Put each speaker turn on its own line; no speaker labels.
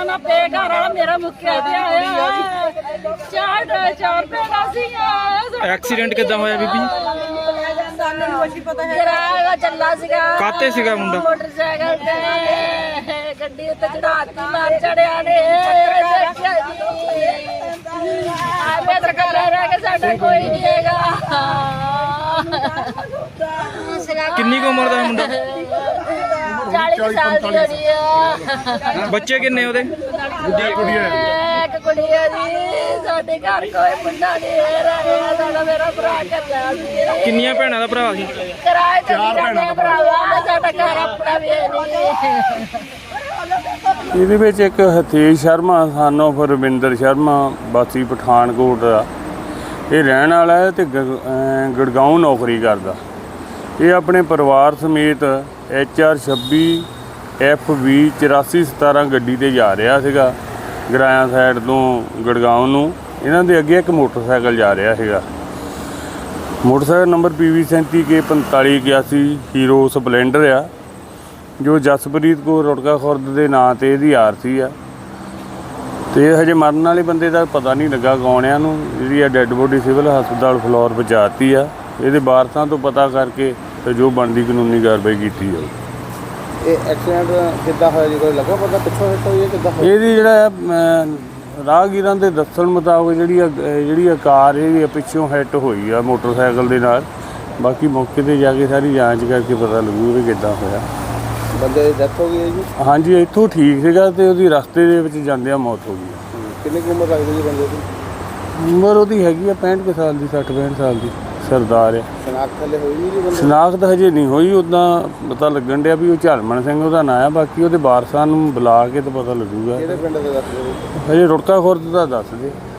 ਨਾ ਪੇ ਘਰ ਵਾਲਾ ਮੇਰਾ ਮੁੱਕਿਆ ਤੇ ਆਇਆ 4 ਰੁਪਏ ਦਾ ਸੀਗਾ।
ਐਕਸੀਡੈਂਟ ਕਿੱਦਾਂ ਹੋਇਆ ਬੀਬੀ?
ਸਾਨੂੰ ਕੁਝ ਪਤਾ ਹੈ। ਕਿਰਾਇਆ ਚੱਲਾ ਸੀਗਾ।
ਕਾਤੇ ਸੀਗਾ ਮੁੰਡਾ?
ਮੋਟਰਸਾਈਕਲ ਤੇ ਗੱਡੀ ਉੱਤੇ ਚੜਾਤੀ ਮਾਰ ਚੜਿਆ ਨੇ। ਆਪੇ ਸਰਕਾਰ ਰਹਿ ਕੇ ਸਾਡਾ ਕੋਈ ਨਹੀਂ ਹੈਗਾ।
ਕਿੰਨੀ ਕੁ ਉਮਰ ਦਾ ਮੁੰਡਾ?
40 ਸਾਲ ਦੀ ਹੋਣੀ ਆ।
ਬੱਚੇ ਕਿੰਨੇ ਉਹਦੇ?
ਇੱਕ ਕੁੜੀ ਆ ਜੀ। ਸਾਡੇ ਘਰ ਕੋਈ ਮੁੰਡਾ ਨਹੀਂ ਰਿਹਾ। ਸਾਡਾ ਮੇਰਾ ਭਰਾ ਕੱਲਾ ਸੀ।
ਕਿੰਨੀਆਂ ਭੈਣਾਂ ਦਾ ਭਰਾ ਸੀ?
ਕਿਰਾਏ ਤੇ 4 ਭੈਣਾਂ ਦਾ ਭਰਾ। ਸਾਡਾ ਘਰ ਆਪਣਾ ਵੀ ਨਹੀਂ।
ਇਹਦੇ ਵਿੱਚ ਇੱਕ ਹਤੇਸ਼ ਸ਼ਰਮਾ ਸਾਨੂੰ ਫਿਰ ਰਵਿੰਦਰ ਸ਼ਰਮਾ ਵਾਸੀ ਪਠਾਨਕੋਟ ਦਾ ਇਹ ਰਹਿਣ ਵਾਲਾ ਹੈ ਤੇ ਗੁੜਗਾਉਂ ਨੌਕਰੀ ਕਰਦਾ। ਇਹ ਆਪਣੇ ਪਰਿਵਾਰ ਸਮੇਤ HR 26 FV 8417 ਗੱਡੀ 'ਤੇ ਜਾ ਰਿਹਾ ਸੀਗਾ ਗਰਾਇਆ ਸਾਈਡ ਤੋਂ ਗੁੜਗਾਉਂ ਨੂੰ। ਇਹਨਾਂ ਦੇ ਅੱਗੇ ਇੱਕ ਮੋਟਰਸਾਈਕਲ ਜਾ ਰਿਹਾ ਸੀਗਾ। Motorcycle number PV 37K 4581 Hero Splendor ਆ, ਜੋ ਜਸਪ੍ਰੀਤ ਕੌਰ ਰੁੜਕਾ ਖੁਰਦ ਦੇ ਨਾਂ 'ਤੇ ਇਹਦੀ ਆਰਸੀ ਆ। ਅਤੇ ਹਜੇ ਮਰਨ ਵਾਲੇ ਬੰਦੇ ਦਾ ਪਤਾ ਨਹੀਂ ਲੱਗਾ ਕੌਣ ਆ। ਨੂੰ ਜਿਹੜੀ ਆ ਡੈੱਡ ਬੋਡੀ ਸਿਵਲ ਹਸਪਤਾਲ ਫਲੋਰ ਪਹੁੰਚਾਤੀ ਆ। ਇਹਦੇ ਵਾਰਸਾਂ ਤੋਂ ਪਤਾ ਕਰਕੇ ਤੇ ਜੋ ਬਣਦੀ ਕਾਨੂੰਨੀ ਕਾਰਵਾਈ ਕੀਤੀ ਜਾਊ।
ਇਹ ਐਕਸੀਡੈਂਟ ਕਿੱਦਾਂ ਹੋਇਆ ਜੀ? ਕੋਈ ਲੱਗਾ ਪਤਾ ਪਿੱਛੋਂ ਹਿੱਟ ਹੋਈ ਹੈ ਕਿੱਦਾਂ?
ਇਹਦੀ ਜਿਹੜਾ ਰਾਹਗੀਰਾਂ ਦੇ ਦੱਸਣ ਮੁਤਾਬਕ ਜਿਹੜੀ ਆ ਕਾਰ ਇਹ ਪਿੱਛੋਂ ਹਿੱਟ ਹੋਈ ਆ ਮੋਟਰਸਾਈਕਲ ਦੇ ਨਾਲ। ਬਾਕੀ ਮੌਕੇ 'ਤੇ ਜਾ ਕੇ ਸਾਰੀ ਜਾਂਚ ਕਰਕੇ ਪਤਾ ਲੱਗੂ ਵੀ ਕਿੱਦਾਂ ਹੋਇਆ।
ਬੰਦੇ ਦੀ ਡੈਥ ਹੋ ਗਈ ਹੈ ਜੀ?
ਹਾਂਜੀ, ਇੱਥੋਂ ਠੀਕ ਸੀਗਾ ਤੇ ਉਹਦੀ ਰਸਤੇ ਦੇ ਵਿੱਚ ਜਾਂਦਿਆਂ ਮੌਤ ਹੋ ਗਈ।
ਕਿੰਨੀ ਕੁ ਉਮਰ ਲੱਗਦੀ ਜੀ ਬੰਦੇ ਦੀ?
ਉਮਰ ਉਹਦੀ ਹੈਗੀ ਆ 65 ਕੁ ਸਾਲ ਦੀ, 60-65 ਸਾਲ ਦੀ। ਸਰਦਾਰ ਆ।
ਸ਼ਨਾਖਤ ਹਲੇ ਹੋਈ ਨਹੀਂ ਜੀ ਬੰਦੇ?
ਸ਼ਨਾਖਤ ਹਜੇ ਨਹੀਂ ਹੋਈ। ਉੱਦਾਂ ਪਤਾ ਲੱਗਣ ਡਿਆ ਵੀ ਉਹ ਝਲਮਣ ਸਿੰਘ ਉਹਦਾ ਨਾਂ ਆ। ਬਾਕੀ ਉਹਦੇ ਵਾਰਸਾਂ ਨੂੰ ਬੁਲਾ ਕੇ ਤਾਂ ਪਤਾ ਲੱਗੂਗਾ।
ਕਿਹੜੇ ਪਿੰਡ ਦੇ ਦੱਸ ਦਿਓ?
ਹਜੇ ਰੁੜਕਾ ਖੁਰਦ ਦਾ ਦੱਸ ਦੇ।